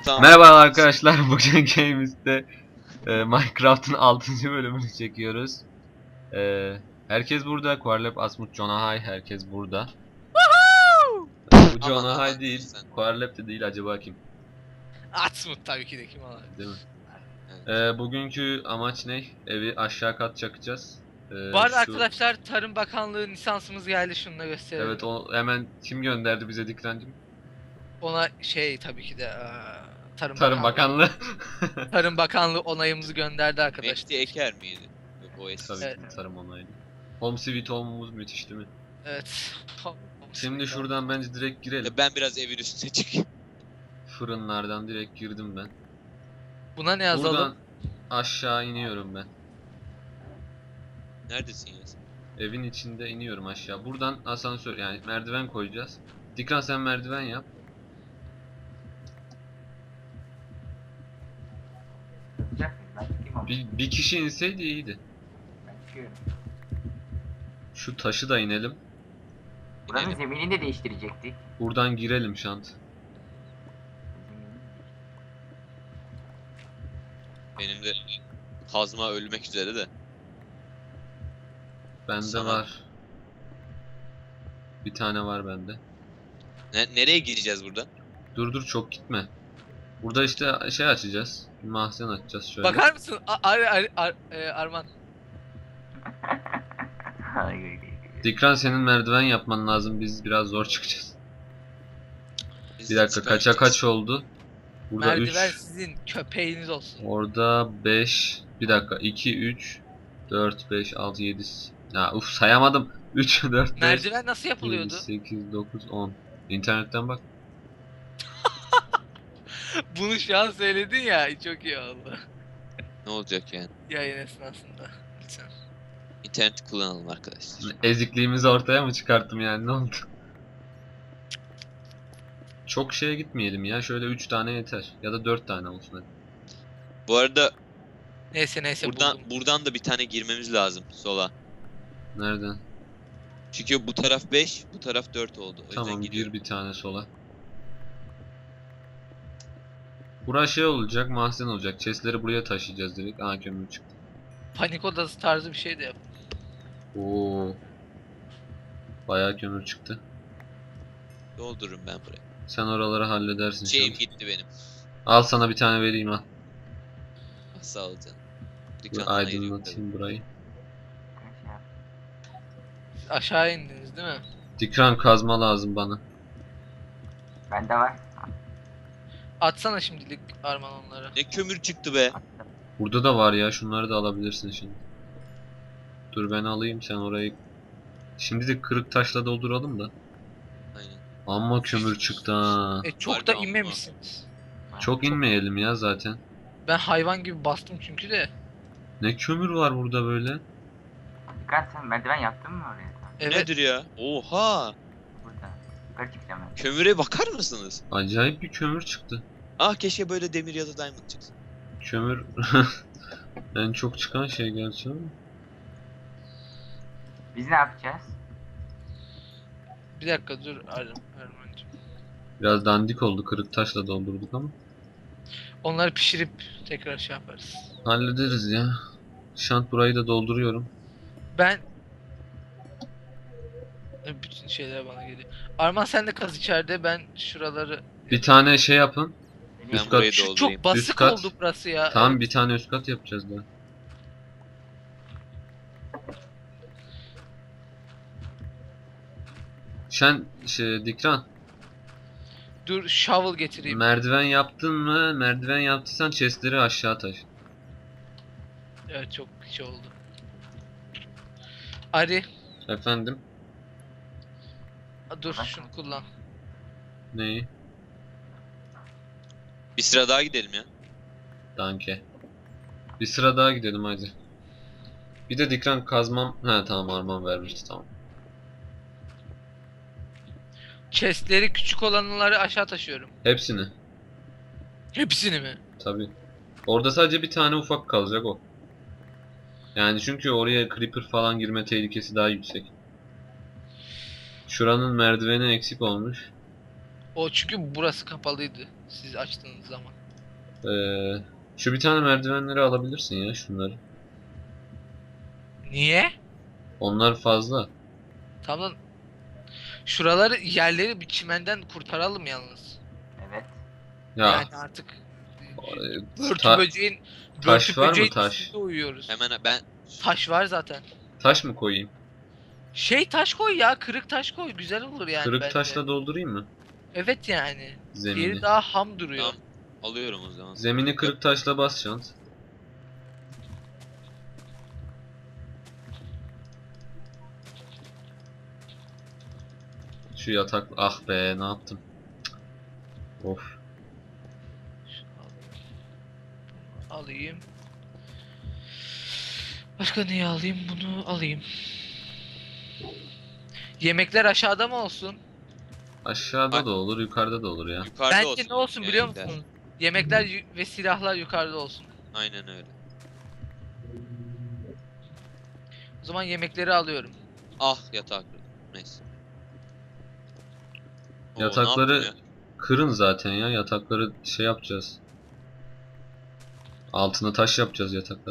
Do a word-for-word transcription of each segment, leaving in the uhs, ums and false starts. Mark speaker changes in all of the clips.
Speaker 1: tamam.
Speaker 2: Merhaba arkadaşlar, bugün Games'te e, Minecraft'ın altıncı bölümünü çekiyoruz. E, herkes burada. Quarlap, Asmut, Jonahay, herkes burada. Bu
Speaker 1: Aman,
Speaker 2: Jonahay
Speaker 1: aman,
Speaker 2: değil,
Speaker 1: sen.
Speaker 2: Quarlap de değil, acaba kim?
Speaker 3: Atsmut tabii ki de kim olabilir.
Speaker 2: Değil mi?
Speaker 1: Evet.
Speaker 2: E, bugünkü amaç ne? Evi aşağı kat çakacağız. E,
Speaker 3: Bu arada
Speaker 2: şu-
Speaker 3: arkadaşlar Tarım Bakanlığı lisansımız geldi, şunu da gösterelim.
Speaker 2: Evet, o hemen kim gönderdi bize Dikrancım?
Speaker 3: Ona şey tabii ki de eee, Tarım,
Speaker 2: Tarım
Speaker 3: Bakanlığı,
Speaker 2: Bakanlığı.
Speaker 3: Tarım Bakanlığı onayımızı gönderdi arkadaşlar.
Speaker 1: Mehdi Eker miydi? Yok, o eski.
Speaker 2: Tabii
Speaker 3: Evet.
Speaker 2: ki tarım onaylı. Home Sweet Home'umuz müthiş değil mi?
Speaker 3: Evet.
Speaker 2: Şimdi şuradan bence direkt girelim.
Speaker 1: Ya ben biraz evin üstüne çıkayım.
Speaker 2: Fırınlardan direkt girdim ben.
Speaker 3: Buna ne yazalım?
Speaker 2: Buradan aşağı iniyorum ben.
Speaker 1: Neredesin ya sen?
Speaker 2: Evin içinde iniyorum aşağı. Buradan asansör, yani merdiven koyacağız. Dikran sen merdiven yap. Bir, bir kişi inseydi iyiydi. Şu taşı da inelim.
Speaker 4: Buranın
Speaker 1: İnelim.
Speaker 4: zeminini de değiştirecektik.
Speaker 2: Buradan girelim şant.
Speaker 1: Benim de kazma ölmek üzere de.
Speaker 2: Bende
Speaker 1: Sana-
Speaker 2: var. Bir tane var bende.
Speaker 1: Ne, nereye gireceğiz burada?
Speaker 2: Dur dur, çok gitme. Burada işte şey açacağız. Bir mahzen açacağız şöyle.
Speaker 3: Bakar mısın? A- Ar Ar Ar e, Arman.
Speaker 2: Dikran senin merdiven yapman lazım. Biz biraz zor çıkacağız.
Speaker 1: Biz
Speaker 2: Bir dakika, kaça
Speaker 1: çıkartacağız.
Speaker 2: kaç oldu? Burada
Speaker 3: Merdiven
Speaker 2: üç.
Speaker 3: sizin köpeğiniz olsun.
Speaker 2: Orada beş. Bir dakika, iki, üç, dört, beş, altı, yedi. Ya uf, sayamadım. üç, dört, beş,
Speaker 3: Merdiven nasıl yapılıyordu?
Speaker 2: sekiz, dokuz, on. İnternetten bak.
Speaker 3: Bunu şu an söyledin ya, çok iyi oldu.
Speaker 1: Ne olacak yani?
Speaker 3: Yayın esnasında. Lütfen.
Speaker 1: İnterneti kullanalım arkadaşlar.
Speaker 2: Ezikliğimizi ortaya mı çıkarttım yani, ne oldu? Çok şeye gitmeyelim ya. Şöyle üç tane yeter. Ya da dört tane olsun hadi.
Speaker 1: Bu arada
Speaker 3: Neyse neyse
Speaker 1: buradan
Speaker 3: buldum.
Speaker 1: buradan da bir tane girmemiz lazım sola.
Speaker 2: Nereden?
Speaker 1: Çünkü bu taraf beş, bu taraf dört oldu. O yüzden
Speaker 2: Tamam,
Speaker 1: gidiyorum.
Speaker 2: gir bir tane sola. Burası şey olacak, mahzen olacak. Chestleri buraya taşıyacağız direkt. Aa, kömür çıktı.
Speaker 3: Panik odası tarzı bir şey de yap.
Speaker 2: Oo. Bayağı kömür çıktı.
Speaker 1: Doldururum ben burayı.
Speaker 2: Sen oraları halledersin şu
Speaker 1: Şeyim
Speaker 2: an.
Speaker 1: gitti benim.
Speaker 2: Al sana bir tane vereyim, al.
Speaker 1: Ah, sağ ol canım.
Speaker 2: Dur,
Speaker 1: Dükkandan ayırıyorum
Speaker 2: aydınlatayım burayı.
Speaker 3: Siz aşağı indiniz değil mi?
Speaker 2: Dikran kazma lazım bana.
Speaker 4: Bende var.
Speaker 3: Atsana şimdilik Arman onları.
Speaker 1: tabii. Ne kömür çıktı be.
Speaker 2: Burada da var ya, şunları da alabilirsin şimdi. Dur ben alayım, sen orayı. Şimdi de kırık taşla dolduralım da.
Speaker 1: Aynen.
Speaker 2: Amma kömür çıktı ha.
Speaker 3: E çok
Speaker 1: Harbi
Speaker 3: da
Speaker 1: amma.
Speaker 3: inmemişsiniz.
Speaker 2: Çok inmeyelim ya zaten.
Speaker 3: Ben hayvan gibi bastım çünkü de.
Speaker 2: Ne kömür var burada böyle?
Speaker 4: Dikkat, sen merdiven yaptın mı oraya?
Speaker 3: Evet.
Speaker 1: Nedir ya? Oha!
Speaker 4: Burada. Yukarı çıkacağım ben.
Speaker 1: Kömüre bakar mısınız?
Speaker 2: Acayip bir kömür çıktı.
Speaker 1: Ah, keşke böyle demir ya da diamond çıksın.
Speaker 2: Kömür en çok çıkan şey gerçi ama.
Speaker 4: Biz ne yapacağız?
Speaker 3: Bir dakika dur Ar Armancığım.
Speaker 2: Biraz dandik oldu, kırık taşla doldurduk ama.
Speaker 3: Onları pişirip tekrar şey yaparız.
Speaker 2: Hallederiz ya. Şant, burayı da dolduruyorum.
Speaker 3: Ben E, bütün şeyler bana geliyor. Arman sen de kaz içeride, ben şuraları.
Speaker 2: Bir tane şey yapın.
Speaker 4: Benim
Speaker 1: Ben
Speaker 2: Üst
Speaker 1: burayı
Speaker 2: kat-
Speaker 3: Şu
Speaker 1: doldurayım.
Speaker 3: çok basık
Speaker 2: Üst kat.
Speaker 3: oldu burası ya.
Speaker 2: Tamam,
Speaker 3: Evet.
Speaker 2: bir tane üst kat yapacağız daha. Sen şey, Dikran,
Speaker 3: Dur shovel getireyim.
Speaker 2: merdiven yaptın mı? Merdiven yaptıysan chestleri aşağı taş.
Speaker 3: Evet, çok şey oldu. Ari
Speaker 2: Efendim?
Speaker 3: dur şunu kullan.
Speaker 2: Neyi?
Speaker 1: Bir sıra daha gidelim ya.
Speaker 2: Danke. Bir sıra daha gidelim hadi. Bir de Dikran kazmam. Ha tamam, Arman vermişti, tamam.
Speaker 3: Chestleri küçük olanları aşağı taşıyorum.
Speaker 2: Hepsini.
Speaker 3: Hepsini mi?
Speaker 2: Tabi. Orada sadece bir tane ufak kalacak o. Yani çünkü oraya creeper falan girme tehlikesi daha yüksek. Şuranın merdiveni eksik olmuş.
Speaker 3: O çünkü burası kapalıydı siz açtığınız zaman.
Speaker 2: Ee, şu bir tane merdivenleri alabilirsin ya şunları.
Speaker 3: Niye?
Speaker 2: Onlar fazla.
Speaker 3: Tamam. Şuraları yerleri bir çimenden kurtaralım yalnız.
Speaker 4: Evet.
Speaker 2: Ya
Speaker 3: Yani artık
Speaker 2: e,
Speaker 3: börtü
Speaker 2: ta-
Speaker 3: böceğin
Speaker 2: taş
Speaker 3: börtü
Speaker 2: var mı,
Speaker 3: böceğin
Speaker 2: taş?
Speaker 3: üstünde uyuyoruz.
Speaker 1: Hemen ben
Speaker 3: Taş var zaten.
Speaker 2: Taş mı koyayım?
Speaker 3: Şey taş koy ya, kırık taş koy, güzel olur yani
Speaker 2: Kırık
Speaker 3: bence.
Speaker 2: taşla doldurayım mı
Speaker 3: Evet yani.
Speaker 2: zemini?
Speaker 3: Diğeri daha ham duruyor.
Speaker 1: tamam alıyorum o zaman.
Speaker 2: Zemini kırık taşla bas şant. Şu yatak, ah be ne yaptım? Cık. Of.
Speaker 3: Alayım. Başka neyi alayım? Bunu alayım. Yemekler aşağıda mı olsun?
Speaker 2: Aşağıda
Speaker 1: Ay-
Speaker 2: da olur, yukarıda da olur ya.
Speaker 1: Yukarıda
Speaker 3: Bence
Speaker 1: olsun.
Speaker 3: ne olsun biliyor
Speaker 1: yemekler.
Speaker 3: musunuz? Yemekler yu- ve silahlar yukarıda olsun.
Speaker 1: Aynen öyle.
Speaker 3: O zaman yemekleri alıyorum.
Speaker 1: Ah yatak. Neyse. Oo, ne
Speaker 2: Yatakları
Speaker 1: yaptım ya?
Speaker 2: kırın zaten ya. Yatakları şey yapacağız. Altına taş yapacağız yatakları.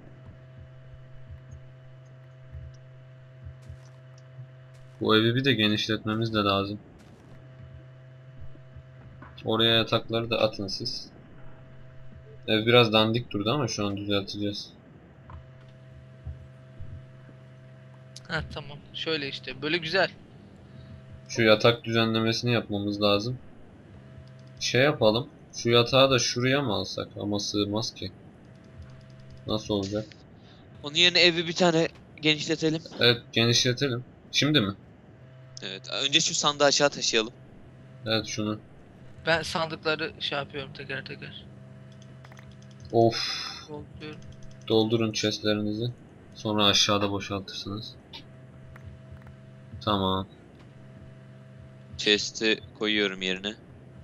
Speaker 2: Bu evi bir de genişletmemiz de lazım. Oraya yatakları da atın siz. Ev biraz dandik durdu ama şu an düzelteceğiz.
Speaker 3: Ha tamam. Şöyle işte. Böyle güzel.
Speaker 2: Şu yatak düzenlemesini yapmamız lazım. Şey yapalım. Şu yatağı da şuraya mı alsak? Ama sığmaz ki. Nasıl olacak?
Speaker 1: Onun yerine evi bir tane genişletelim.
Speaker 2: Evet, genişletelim. Şimdi mi?
Speaker 1: Evet. Önce şu sandığı aşağı taşıyalım.
Speaker 2: Evet, şunu.
Speaker 3: Ben sandıkları şey yapıyorum teker teker.
Speaker 2: Of.
Speaker 3: Dolduruyorum.
Speaker 2: Doldurun chestlerinizi. Sonra aşağıda boşaltırsınız. Tamam.
Speaker 1: Chest'i koyuyorum yerine.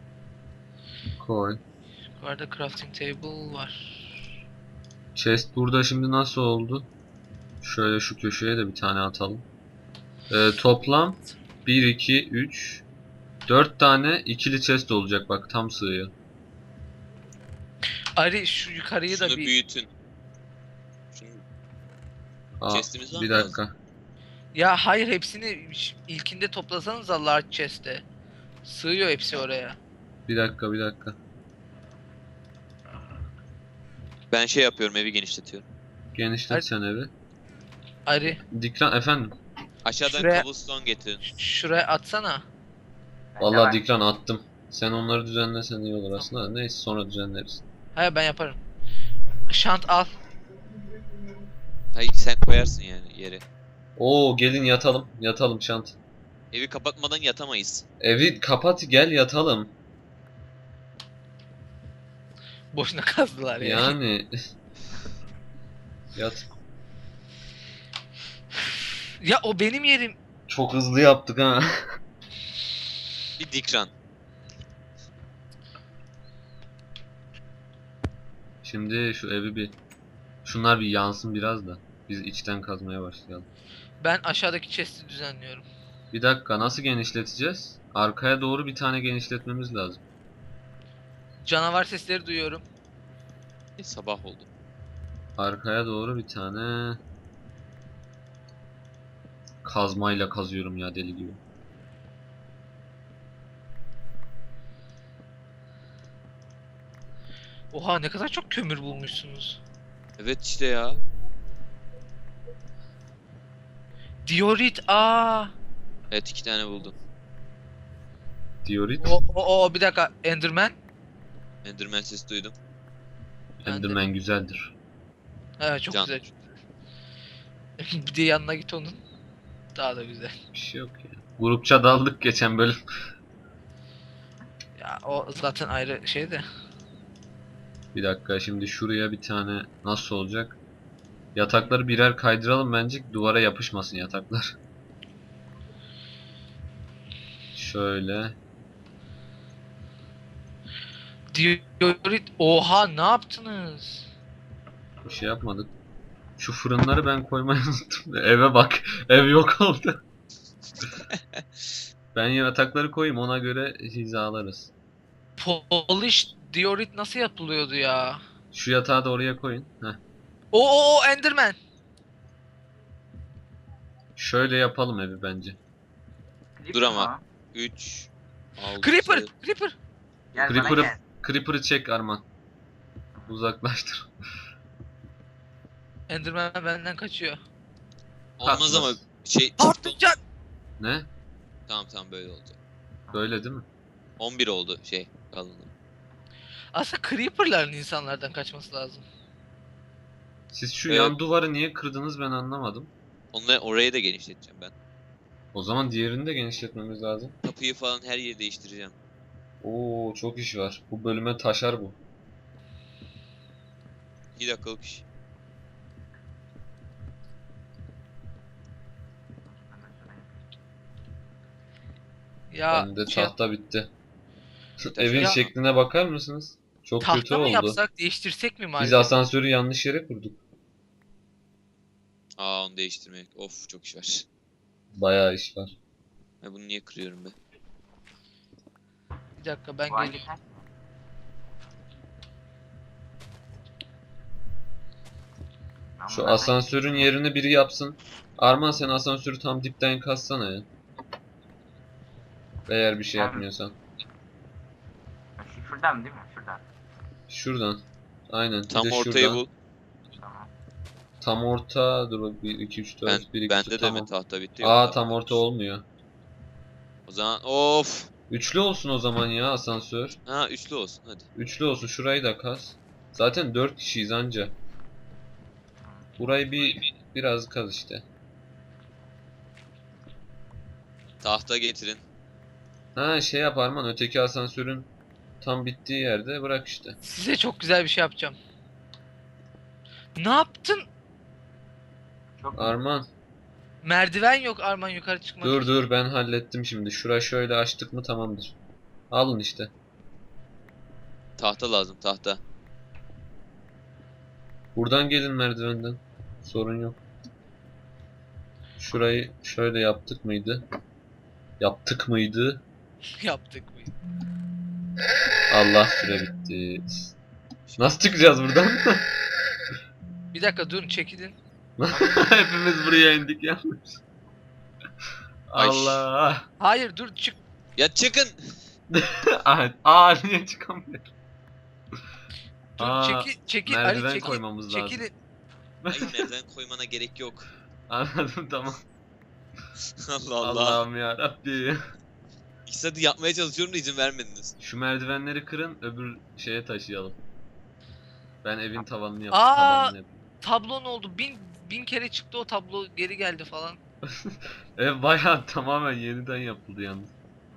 Speaker 2: Koy.
Speaker 3: Yukarıda crafting table var.
Speaker 2: Chest burada şimdi nasıl oldu? Şöyle şu köşeye de bir tane atalım. Ee, toplam bir, iki, üç, dört tane ikili chest olacak bak, tam sığıyor.
Speaker 3: Ari şu yukarıyı da
Speaker 1: Şunu
Speaker 3: bir...
Speaker 1: büyütün. Şunu
Speaker 2: Aa,
Speaker 1: chest'imiz var
Speaker 2: bir
Speaker 1: mı?
Speaker 2: dakika.
Speaker 3: Ya hayır, hepsini ş- ilkinde toplasanız da large chest'e. Sığıyor hepsi oraya.
Speaker 2: Bir dakika, bir dakika.
Speaker 1: Ben şey yapıyorum, evi genişletiyorum.
Speaker 2: Genişlet
Speaker 3: Hadi.
Speaker 2: sen evi.
Speaker 3: Ari
Speaker 2: Dikran efendim.
Speaker 1: Aşağıdan
Speaker 3: Şuraya-
Speaker 1: cobblestone getirin.
Speaker 3: ş- şuraya atsana.
Speaker 4: Bende
Speaker 2: Vallahi
Speaker 4: var.
Speaker 2: Dikran attım. Sen onları düzenlesen iyi olur aslında. Neyse, sonra düzenleriz.
Speaker 3: Hayır, ben yaparım. Şant al.
Speaker 1: Hayır sen koyarsın yani yere.
Speaker 2: Oo, gelin yatalım. Yatalım şant.
Speaker 1: Evi kapatmadan yatamayız.
Speaker 2: Evi kapat, gel yatalım.
Speaker 3: Boşuna kazdılar ya.
Speaker 2: Yani yat.
Speaker 3: Ya o benim yerim.
Speaker 2: Çok hızlı yaptık ha.
Speaker 1: Bir dikran.
Speaker 2: Şimdi şu evi bir, şunlar bir yansın biraz da biz içten kazmaya başlayalım.
Speaker 3: Ben aşağıdaki chest'i düzenliyorum.
Speaker 2: Bir dakika, nasıl genişleteceğiz? Arkaya doğru bir tane genişletmemiz lazım.
Speaker 3: Canavar sesleri duyuyorum.
Speaker 1: E, sabah oldu.
Speaker 2: Arkaya doğru bir tane kazmayla kazıyorum ya, deli gibi.
Speaker 3: Oha, ne kadar çok kömür bulmuşsunuz.
Speaker 1: Evet işte ya.
Speaker 3: Diorit, aa.
Speaker 1: Evet iki tane buldum.
Speaker 2: Diorit.
Speaker 3: O, o, o bir dakika, Enderman.
Speaker 1: Enderman sesi duydum.
Speaker 3: ben de-
Speaker 2: Enderman güzeldir.
Speaker 3: Evet, çok
Speaker 1: Can.
Speaker 3: güzel. Bir de yanına git onun. Daha da güzel.
Speaker 2: Bir şey yok ya. Grupça daldık geçen bölüm.
Speaker 3: Ya o zaten ayrı şey de.
Speaker 2: Bir dakika, şimdi şuraya bir tane nasıl olacak? Yatakları birer kaydıralım bence, duvara yapışmasın yataklar. Şöyle.
Speaker 3: Diorit, oha ne yaptınız?
Speaker 2: Bir şey yapmadık. Şu fırınları ben koymayı unuttum. Eve bak. Ev yok oldu. Ben yatakları koyayım, ona göre hizalarız.
Speaker 3: Polish diorit nasıl yapılıyordu ya?
Speaker 2: Şu yatağı da oraya koyun. Heh.
Speaker 3: O o o Enderman.
Speaker 2: Şöyle yapalım evi bence.
Speaker 1: Dur ama.
Speaker 4: Creeper mı?
Speaker 1: üç, altı.
Speaker 3: Creeper, Creeper.
Speaker 4: Gel bana
Speaker 2: Creeper'ı
Speaker 4: gel.
Speaker 2: Creeper'ı çek Arman. Uzaklaştır.
Speaker 3: Enderman benden kaçıyor.
Speaker 1: Olmaz
Speaker 2: Kalkmaz.
Speaker 1: ama şey.
Speaker 3: Patlıcan.
Speaker 2: Ne?
Speaker 1: Tamam tamam böyle olacak.
Speaker 2: Böyle değil mi?
Speaker 1: on bir oldu şey kalınlığı.
Speaker 3: Aslında Creeper'ların insanlardan kaçması lazım.
Speaker 2: Siz şu
Speaker 1: Evet.
Speaker 2: yan duvarı niye kırdınız ben anlamadım.
Speaker 1: Onları orayı da genişleteceğim ben.
Speaker 2: O zaman diğerini de genişletmemiz lazım.
Speaker 1: Kapıyı falan her yeri değiştireceğim.
Speaker 2: Oo çok iş var. Bu bölüme taşar bu.
Speaker 1: iki dakikalık iş.
Speaker 3: Ya
Speaker 2: Bende
Speaker 3: şey,
Speaker 2: tahta bitti.
Speaker 1: Taşar.
Speaker 2: Evin
Speaker 3: Ya-
Speaker 2: şekline bakar mısınız? Çok kötü
Speaker 3: tahta mı
Speaker 2: oldu.
Speaker 3: yapsak, değiştirsek mi
Speaker 2: Biz
Speaker 3: malzemeyi?
Speaker 2: asansörü yanlış yere kurduk.
Speaker 1: Aa onu değiştirmek. Of çok iş var.
Speaker 2: Bayağı iş var.
Speaker 1: Ben bunu niye kırıyorum be?
Speaker 3: Bir dakika ben
Speaker 4: Bu hangi
Speaker 3: geleyim.
Speaker 4: taş? Ben
Speaker 2: Şu
Speaker 4: bunlardan-
Speaker 2: asansörün yerini biri yapsın. Arman sen asansörü tam dipten kazsana ya. Eğer bir şey
Speaker 4: Ben-
Speaker 2: yapmıyorsan.
Speaker 4: Şu şuradan değil mi? Şuradan.
Speaker 2: Şuradan. Aynen. bir
Speaker 1: Tam
Speaker 2: de
Speaker 1: ortayı
Speaker 2: şuradan.
Speaker 1: bul.
Speaker 4: Tamam.
Speaker 2: Tam orta. Dur bak bir iki üç
Speaker 1: Ben,
Speaker 2: dört bir iki
Speaker 1: bende de
Speaker 2: tamam.
Speaker 1: mi tahta bitti? Yok,
Speaker 2: Aa
Speaker 1: tamam.
Speaker 2: tam orta olmuyor.
Speaker 1: O zaman of.
Speaker 2: Üçlü olsun o zaman ya asansör.
Speaker 1: Ha üçlü olsun hadi.
Speaker 2: Üçlü olsun şurayı da kaz. Zaten dört kişiyiz anca. Burayı bir biraz kaz işte.
Speaker 1: Tahta getirin.
Speaker 2: Ha şey yap Arman öteki asansörün tam bittiği yerde bırak işte.
Speaker 3: Size çok güzel bir şey yapacağım. Ne yaptın?
Speaker 4: Çok
Speaker 2: Arman
Speaker 3: Merdiven yok Arman yukarı çıkmak
Speaker 2: dur
Speaker 3: için.
Speaker 2: dur ben hallettim şimdi. Şura şöyle açtık mı tamamdır. Alın işte.
Speaker 1: Tahta lazım tahta.
Speaker 2: Buradan gelin merdivenden. Sorun yok. Şurayı şöyle yaptık mıydı? Yaptık mıydı?
Speaker 3: Yaptık mı?
Speaker 2: Allah süre bitti. Nasıl çıkacağız buradan?
Speaker 3: Bir dakika durun çekilin.
Speaker 2: Hepimiz buraya indik yalnız.
Speaker 1: Ay.
Speaker 2: Allah.
Speaker 3: Hayır dur çık.
Speaker 1: Ya çıkın.
Speaker 2: Aa, aa niye çıkamıyorum?
Speaker 3: Dur
Speaker 2: Aa,
Speaker 3: çekil çekil
Speaker 2: merdiven
Speaker 3: Ali çekil.
Speaker 2: koymamız lazım.
Speaker 3: Çekilin.
Speaker 1: Hayır merdiven koymana gerek yok.
Speaker 2: Anladım tamam.
Speaker 1: Allah Allah.
Speaker 2: Allah'ım ya Rabbi.
Speaker 1: İktisadi yapmaya çalışıyorum da izin vermediniz.
Speaker 2: Şu merdivenleri kırın öbür şeye taşıyalım. Ben evin tavanını yap.
Speaker 3: Aa!
Speaker 2: Tabanını yapayım.
Speaker 3: Tablon oldu. Bin bin kere çıktı o tablo geri geldi falan.
Speaker 2: Ev bayağı tamamen yeniden yapıldı yalnız.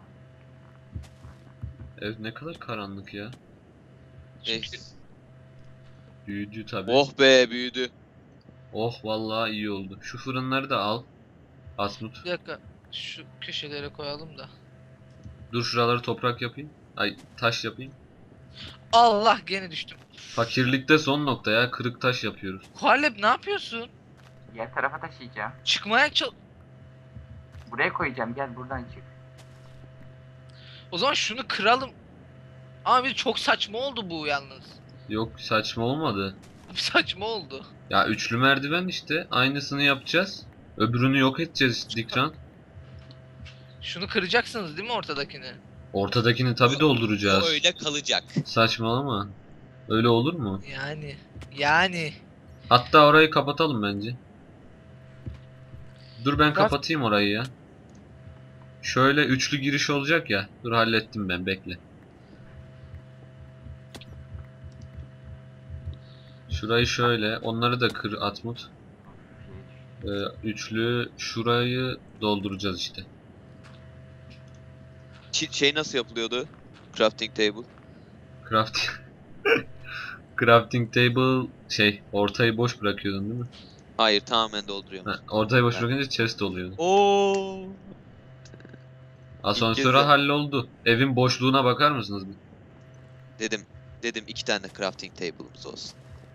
Speaker 2: Ev ne kadar karanlık ya.
Speaker 1: Eh.
Speaker 3: Çünkü
Speaker 2: Büyüdü tabi.
Speaker 1: Oh be büyüdü.
Speaker 2: Oh vallahi iyi oldu. Şu fırınları da al. Asmut.
Speaker 3: bir dakika şu köşelere koyalım da.
Speaker 2: Dur şuraları toprak yapayım. Ay taş yapayım.
Speaker 3: Allah gene düştüm.
Speaker 2: Fakirlikte son nokta ya. Kırık taş yapıyoruz.
Speaker 3: Kualep ne yapıyorsun?
Speaker 4: diğer tarafa taşıyacağım.
Speaker 3: Çıkmaya çal...
Speaker 4: Buraya koyacağım. Gel buradan çık.
Speaker 3: O zaman şunu kıralım. Ama bir çok saçma oldu bu yalnız.
Speaker 2: Yok saçma olmadı.
Speaker 3: Saçma oldu.
Speaker 2: Ya üçlü merdiven işte. Aynısını yapacağız. Öbürünü yok edeceğiz Dikran.
Speaker 3: Şunu kıracaksınız değil mi ortadakini?
Speaker 2: Ortadakini tabi
Speaker 1: O
Speaker 2: dolduracağız.
Speaker 1: öyle kalacak.
Speaker 2: Saçmalama. Öyle olur mu?
Speaker 3: Yani. Yani.
Speaker 2: Hatta orayı kapatalım bence. Dur ben
Speaker 3: Bak-
Speaker 2: kapatayım orayı ya. Şöyle üçlü giriş olacak ya. Dur hallettim ben bekle. Şurayı şöyle. Onları da kır Atmut. Ee, üçlü şurayı dolduracağız işte.
Speaker 1: Çi- şey nasıl yapılıyordu? Crafting table.
Speaker 2: Crafting Crafting table şey ortayı boş bırakıyordun değil mi?
Speaker 1: Hayır tamamen dolduruyorum.
Speaker 2: Ha, ortayı boş
Speaker 1: Ben-
Speaker 2: bırakınca chest oluyordu.
Speaker 1: Oo.
Speaker 2: Asansöre
Speaker 1: İlk kez-
Speaker 2: halloldu. Evin boşluğuna bakar mısınız bir?
Speaker 1: Dedim. Dedim iki tane crafting table'ımız olsun.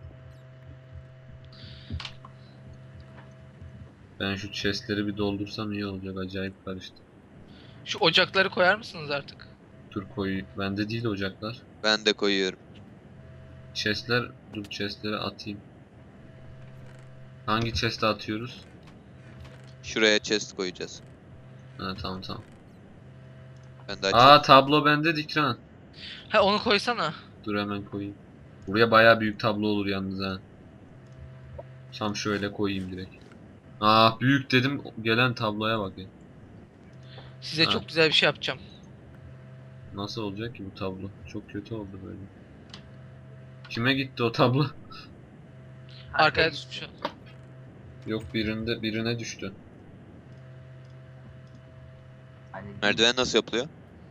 Speaker 2: Ben şu chestleri bir doldursam iyi olacak. Acayip karıştı.
Speaker 3: Şu ocakları koyar mısınız artık?
Speaker 2: Dur koy. Bende değil ocaklar.
Speaker 1: Ben de koyuyorum.
Speaker 2: Chestler, dur chestleri atayım. Hangi chest'e atıyoruz?
Speaker 1: Şuraya chest koyacağız.
Speaker 2: Ha tamam tamam.
Speaker 1: Ben de
Speaker 2: Aa
Speaker 1: açıyorum.
Speaker 2: tablo bende Dikran.
Speaker 3: Ha onu koysana.
Speaker 2: Dur hemen koyayım. Buraya bayağı büyük tablo olur yalnız ha. Tam şöyle koyayım direkt. Aa büyük dedim gelen tabloya bak ya.
Speaker 3: Size
Speaker 2: Ha.
Speaker 3: çok güzel bir şey yapacağım.
Speaker 2: Nasıl olacak ki bu tablo? Çok kötü oldu böyle. Kime gitti o tablo?
Speaker 3: Arkaya düşmüş. o.
Speaker 2: Yok birinde birine düştü.
Speaker 4: Hani
Speaker 1: Merdiven nasıl yapılıyor?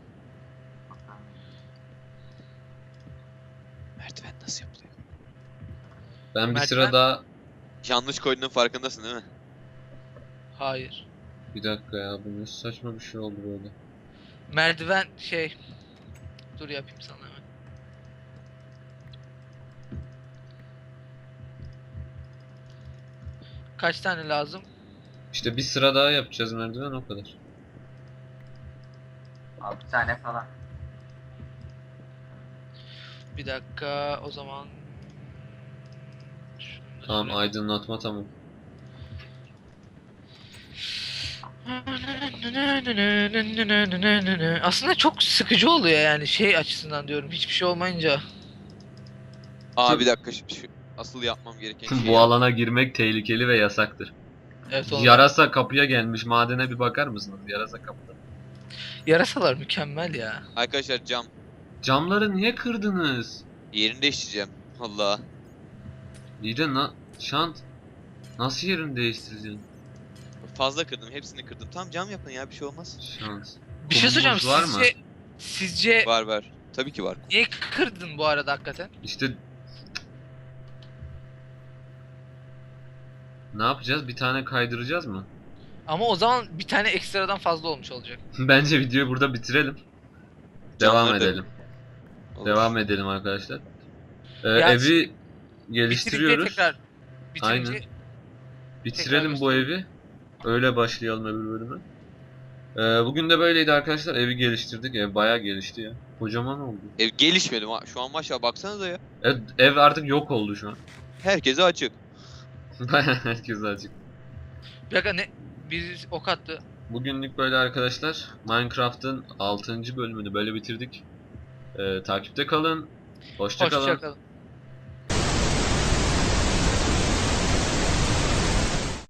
Speaker 1: Merdiven nasıl yapılıyor?
Speaker 2: Ben bir
Speaker 3: Merdiven-
Speaker 2: sıra daha
Speaker 1: Yanlış koyduğunun farkındasın değil mi?
Speaker 3: Hayır.
Speaker 2: bir dakika ya bu ne saçma bir şey oldu böyle.
Speaker 3: Merdiven şey. Dur yapayım sana hemen. Kaç tane lazım?
Speaker 2: İşte bir sıra daha yapacağız merdiven o kadar.
Speaker 4: altı tane falan.
Speaker 3: Bir dakika o zaman. Şunu da
Speaker 2: Tamam
Speaker 3: şuraya-
Speaker 2: aydınlatma tamam.
Speaker 3: Aslında çok sıkıcı oluyor yani şey açısından diyorum hiçbir şey olmayınca.
Speaker 1: Aa bir dakika şu, şu asıl yapmam gereken şey.
Speaker 2: Bu alana girmek tehlikeli ve yasaktır.
Speaker 3: Evet onu
Speaker 2: Yarasa kapıya gelmiş madene bir bakar mısınız? Yarasa kapıda.
Speaker 3: Yarasalar mükemmel ya.
Speaker 1: Arkadaşlar cam
Speaker 2: Camları niye kırdınız?
Speaker 1: yerini değiştireceğim. Allah.
Speaker 2: İyi de na şant. Nasıl yerini değiştireceksin?
Speaker 1: Fazla kırdım. Hepsini kırdım. Tamam cam yapın ya bir şey olmaz.
Speaker 2: Şans.
Speaker 3: Bir şey soracağım
Speaker 2: Kumumuz var mı?
Speaker 3: sizce sizce
Speaker 1: Var var. Tabii ki var.
Speaker 3: niye kırdın bu arada hakikaten?
Speaker 2: İşte ne yapacağız? Bir tane kaydıracağız mı?
Speaker 3: Ama o zaman bir tane ekstradan fazla olmuş olacak.
Speaker 2: Bence videoyu burada bitirelim. Devam
Speaker 1: Camları da-
Speaker 2: edelim.
Speaker 1: Olur.
Speaker 2: Devam edelim arkadaşlar. Ee,
Speaker 3: Ya
Speaker 2: evi
Speaker 3: Bitirince
Speaker 2: geliştiriyoruz.
Speaker 3: tekrar bitirince
Speaker 2: Aynen. Bitirelim
Speaker 3: tekrar
Speaker 2: bu evi. Öyle başlayalım öbür bölüme. Ee, bugün de böyleydi arkadaşlar. Evi geliştirdik. Ev bayağı gelişti ya. Kocaman oldu.
Speaker 1: Ev gelişmedi. ma- Şu an maşallah baksanıza ya.
Speaker 2: Ev, ev artık yok oldu şu an.
Speaker 1: Herkese açık.
Speaker 2: Bayağı herkes açık.
Speaker 3: bir dakika ne biz ok attı.
Speaker 2: Bugünlük böyle arkadaşlar. Minecraft'ın altıncı bölümünü böyle bitirdik. Ee, takipte kalın. Hoşça kalın.
Speaker 3: Hoşça kalın.